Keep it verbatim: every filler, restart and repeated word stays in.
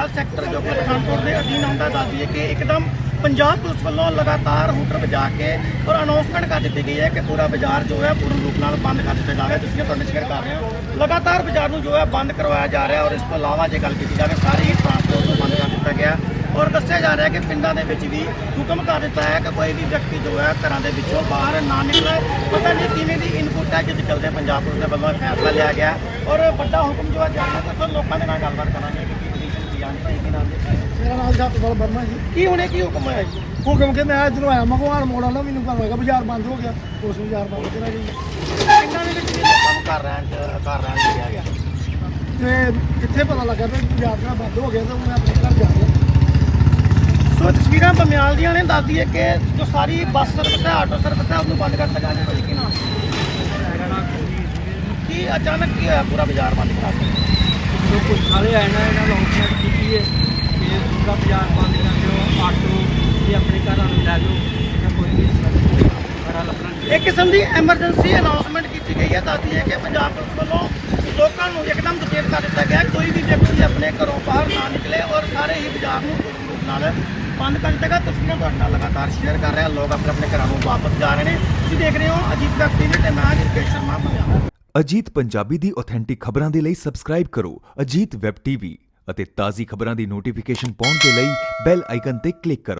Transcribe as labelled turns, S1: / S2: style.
S1: बमयाल sector जो कि पठानकोट के अधीन आता दस दिए कि एकदम पंजाब पुलिस वालों लगातार हूटर बजा के और अनाउंसमेंट कर दी गई है कि पूरा बाजार जो है पूर्ण रूप नाल बंद कर दिया जाए। तस्वीरें तुहानू शेयर कर रहे हो, लगातार बाजार नूं जो है बंद करवाया जा रहा है। और इस तो इलावा जो गल की जाए सारी ट्रांसपोर्ट को बंद कर दिया गया और दस्सिया जा रहा है कि पिंडों के भी हुक्म कर दिता है कि कोई भी व्यक्ति जो है घरों के विचों बाहर ना निकले। पता नहीं किमें की इनपुट है जिस चलते पंजाब पुलिस के वालों फैसला लिया गया और बड़ा हुक्म जो है जाना तो फिर लोगों के नाल गलबात करांगे कि की पोजीशन की जान भाई की नाम जी।
S2: मेरा नाम सतपाल वर्मा जी।
S1: की हुणे की हुक्म होया जी?
S2: हुक्म के मैं इधरों आया मगवान मोड़ वाला मैनू घर होगा बाजार बंद हो गया, उस बाजार बंद करा जी।
S1: पिंडों के विच भी लोगों नूं घर रहण घर रहण दिया गया
S2: ते कित्थे पता लगा भी बाजार मेरा बंद हो गया तो मैं अपने घर जा रहा।
S1: सो तस्वीर बमयाल दियां ने दस दी है कि जो सारी बस सर्विस है आटो सर्विस है उसको बंद कर दिया गया। भाई की नाम की अचानक की होया पूरा बाजार बंद करा दिया?
S3: जो कुछ सारे आए ना इन्होंने अनाउंसमेंट की है कि पूरा बाजार बंद कर दो, आटो भी अपने घर लै लो, कोई भी बड़ा लगना।
S1: एक किस्म की एमरजेंसी अनाउंसमेंट की गई है दस दी है कि पंजाब पुलिस वालों लोगों को एकदम सचेत कर दिया गया कोई भी व्यक्ति अपने घरों बाहर ना निकले और सारे ही बाजार में बंद कर दिया गया। तस्वीरें तुहाडे नाल लगातार शेयर कर रहे हैं, लोग अपने अपने घरों वापस जा रहे हैं। तुसीं देख रहे हो अजीत वैब टीवी ते मैं रिकेश शर्मा पंजाब।
S4: ਅਜੀਤ ਪੰਜਾਬੀ ਦੀ ਆਥੈਂਟਿਕ ਖਬਰਾਂ ਦੇ ਲਈ ਸਬਸਕ੍ਰਾਈਬ ਕਰੋ ਅਜੀਤ ਵੈਬ ਟੀਵੀ ਅਤੇ ਤਾਜ਼ੀ ਖਬਰਾਂ ਦੀ ਨੋਟੀਫਿਕੇਸ਼ਨ ਪਾਉਣ ਦੇ ਲਈ ਬੈਲ ਆਈਕਨ ਤੇ ਕਲਿੱਕ ਕਰੋ।